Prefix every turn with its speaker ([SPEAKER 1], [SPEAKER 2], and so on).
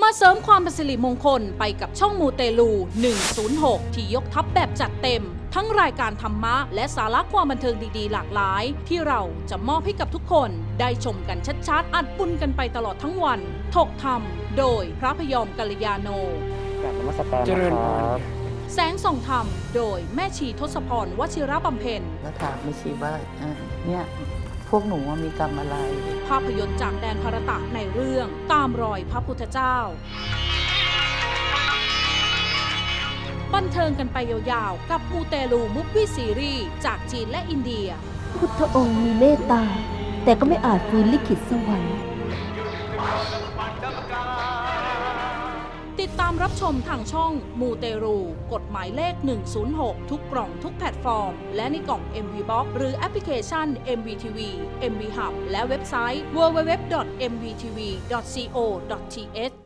[SPEAKER 1] มาเสริมความเป็นสิริมงคลไปกับช่องมูเตลู 106 ที่ยกทัพแบบจัดเต็ม ทั้งรายการธรรมะและสาระความบันเทิงดีๆหลากหลาย ที่เราจะมอบให้กับทุกคนได้ชมกันชัดๆอัดปุ้นกันไปตลอดทั้งวันถกธรรมโดยพระพยอมกัลยาโน
[SPEAKER 2] กราบนมัสการนะครับ
[SPEAKER 1] แสงส่องธรรมโดยแม่ชีทศพรวชิระบำเพ็ญ
[SPEAKER 3] แล้วถามไม่ชีว่าเนี่ยพวกหนูมีกรรมอะไร
[SPEAKER 1] ภาพยนตร์จากแดนภารตะในเรื่องตามรอยพระพุทธเจ้า บันเทิงกันไปยาวๆกับมูเตลูมุฟวี่ซีรีส์จากจีนและอินเดีย
[SPEAKER 4] พุทธองค์มีเมตตา แต่ก็ไม่อาจฟื้นลิขิตสวรรค์
[SPEAKER 1] ติดตามรับชมทางช่องมูเตรูกฎหมายเลข 106 ทุกกล่องทุกแพลตฟอร์ม และในกล่อง MV Box หรือแอปพลิเคชัน MVTV MV Hub และเว็บไซต์ www.mvtv.co.th